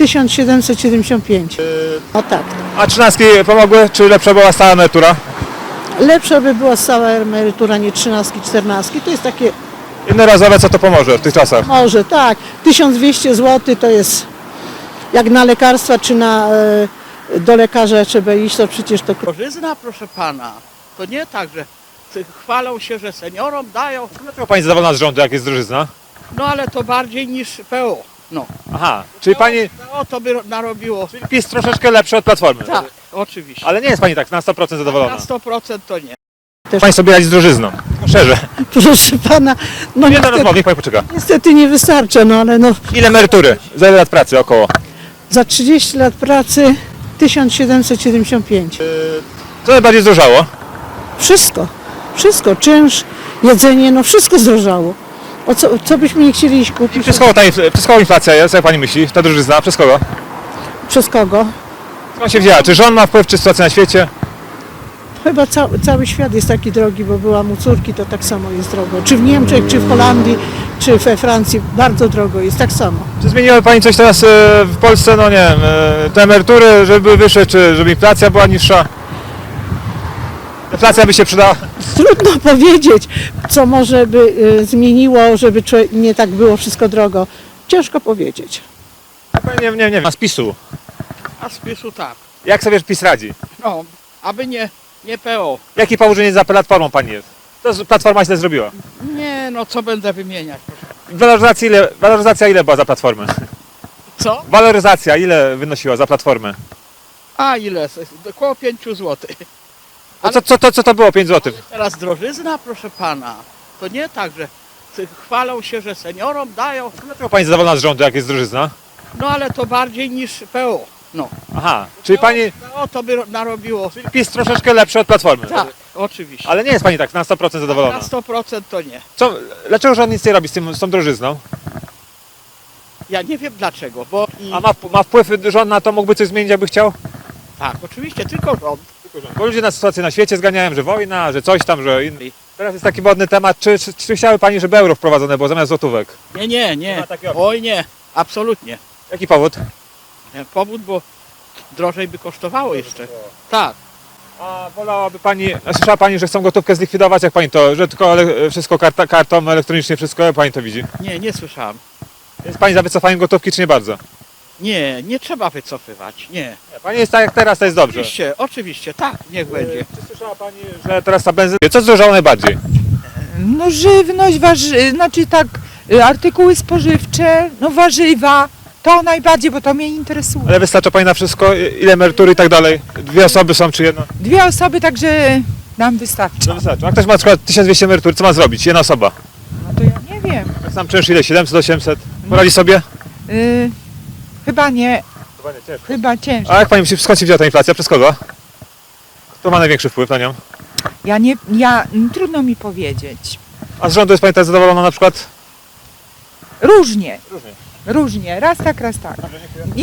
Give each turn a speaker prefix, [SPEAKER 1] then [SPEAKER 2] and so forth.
[SPEAKER 1] 1775. O tak.
[SPEAKER 2] A trzynastki pomogły? Czy lepsza była stała emerytura?
[SPEAKER 1] Lepsza by była stała emerytura, nie trzynastki, czternastki. To jest takie,
[SPEAKER 2] Jednorazowe, co to pomoże w tych czasach?
[SPEAKER 1] może tak, 1200 zł to jest, jak na lekarstwa czy do lekarza trzeba iść, to przecież to...
[SPEAKER 3] Drożyzna, proszę pana, to nie tak, że chwalą się, że seniorom dają,
[SPEAKER 2] Dlaczego pani zadowolona z rządu, jak jest drożyzna?
[SPEAKER 3] no ale to bardziej niż PO. No.
[SPEAKER 2] Aha, czyli pani
[SPEAKER 3] PO to by narobiło.
[SPEAKER 2] PiS troszeczkę lepszy od Platformy.
[SPEAKER 3] Tak, oczywiście.
[SPEAKER 2] Ale nie jest pani tak na 100% zadowolona.
[SPEAKER 3] Na 100% to nie.
[SPEAKER 2] Pani sobie radzi z drożyzną. Szczerze.
[SPEAKER 1] Proszę pana, no
[SPEAKER 2] Nie do rozmowy, niech pani poczeka.
[SPEAKER 1] niestety nie wystarcza, no ale no
[SPEAKER 2] Ile emerytury? Za ile lat pracy około?
[SPEAKER 1] za 30 lat pracy 1775.
[SPEAKER 2] Co najbardziej zdrożało?
[SPEAKER 1] Wszystko, czynsz, jedzenie, no wszystko zdrożało. O co byśmy nie chcieli iść kupić?
[SPEAKER 2] Przez kogo inflacja jest, jak pani myśli? Ta drożyzna, przez kogo?
[SPEAKER 1] Przez kogo?
[SPEAKER 2] Skąd się wzięła? Czy rząd ma wpływ, czy sytuacja na świecie?
[SPEAKER 1] Chyba cały świat jest taki drogi, bo byłam u córki, to tak samo jest drogo. Czy w Niemczech, czy w Holandii, czy we Francji, bardzo drogo jest, tak samo.
[SPEAKER 2] Czy zmieniła pani coś teraz w Polsce, no nie wiem, te emerytury, żeby były wyższe, czy żeby inflacja była niższa? Inflacja by się przydała?
[SPEAKER 1] Trudno powiedzieć, co może by zmieniło, żeby nie tak było wszystko drogo. Ciężko powiedzieć.
[SPEAKER 2] Nie wiem. A z PiS-u?
[SPEAKER 3] A z PiS-u tak.
[SPEAKER 2] Jak sobie PiS radzi?
[SPEAKER 3] No, aby nie PO.
[SPEAKER 2] Jaki położenie za Platformą pani jest? To Platforma źle zrobiła.
[SPEAKER 3] Nie, no co będę wymieniać, proszę.
[SPEAKER 2] Waloryzacja ile była za Platformę?
[SPEAKER 3] Co?
[SPEAKER 2] Waloryzacja ile wynosiła za Platformę?
[SPEAKER 3] A ile? Około 5 zł.
[SPEAKER 2] A co to było 5 zł?
[SPEAKER 3] Teraz drożyzna, proszę pana, to nie tak, że chwalą się, że seniorom dają,
[SPEAKER 2] Dlaczego pani zadowolona z rządu, jak jest drożyzna?
[SPEAKER 3] no ale to bardziej niż PO. No.
[SPEAKER 2] Aha, czyli pani
[SPEAKER 3] PO to by narobiło.
[SPEAKER 2] PiS troszeczkę lepszy od Platformy.
[SPEAKER 3] Tak, oczywiście.
[SPEAKER 2] Ale nie jest pani tak na 100% zadowolona.
[SPEAKER 3] Na 100% to nie.
[SPEAKER 2] Dlaczego rząd nic nie robi z tą drożyzną?
[SPEAKER 3] Ja nie wiem dlaczego, bo
[SPEAKER 2] A ma wpływ rząd na to, mógłby coś zmienić, jakby chciał?
[SPEAKER 3] tak, oczywiście, tylko rząd.
[SPEAKER 2] Bo ludzie na sytuację na świecie zganiają, że wojna, że coś tam, że inny. Teraz jest taki modny temat, czy chciały pani, żeby euro wprowadzone było zamiast złotówek?
[SPEAKER 3] Nie.
[SPEAKER 2] Nie ma takiej opcji.
[SPEAKER 3] Oj nie, absolutnie.
[SPEAKER 2] Jaki powód?
[SPEAKER 3] Powód, bo drożej by kosztowało jeszcze. Tak.
[SPEAKER 2] A wolałaby pani, słyszała pani, że chcą gotówkę zlikwidować, jak pani to, że tylko wszystko kartą elektronicznie, wszystko, jak pani to widzi?
[SPEAKER 3] Nie słyszałem.
[SPEAKER 2] Jest pani za wycofaniem gotówki, czy nie bardzo?
[SPEAKER 3] Nie trzeba wycofywać, nie.
[SPEAKER 2] Pani jest tak jak teraz, to jest dobrze.
[SPEAKER 3] Oczywiście, tak, niech będzie.
[SPEAKER 2] Czy słyszała pani, że teraz ta benzyna... Co zdrożało najbardziej?
[SPEAKER 4] No żywność, znaczy tak, artykuły spożywcze, no warzywa, to najbardziej, bo to mnie interesuje.
[SPEAKER 2] Ale wystarcza pani na wszystko? Ile emerytury i tak dalej? 2 osoby są, czy jedna?
[SPEAKER 4] 2 osoby, także nam wystarczy.
[SPEAKER 2] To wystarczy. A ktoś ma na przykład 1200 emerytury, co ma zrobić? Jedna osoba.
[SPEAKER 4] No to ja nie wiem.
[SPEAKER 2] Jak sam czynsz ile? 700, 800? Poradzi sobie?
[SPEAKER 4] Chyba nie,
[SPEAKER 2] Chyba nie, ciężko.
[SPEAKER 4] chyba ciężko.
[SPEAKER 2] A jak pani myśli, skąd się wzięła ta inflacja? Przez kogo? Kto ma największy wpływ na nią?
[SPEAKER 4] Trudno mi powiedzieć.
[SPEAKER 2] A z rządu jest pani tak zadowolona na przykład?
[SPEAKER 4] Różnie,
[SPEAKER 2] Różnie.
[SPEAKER 4] różnie, raz tak, raz tak.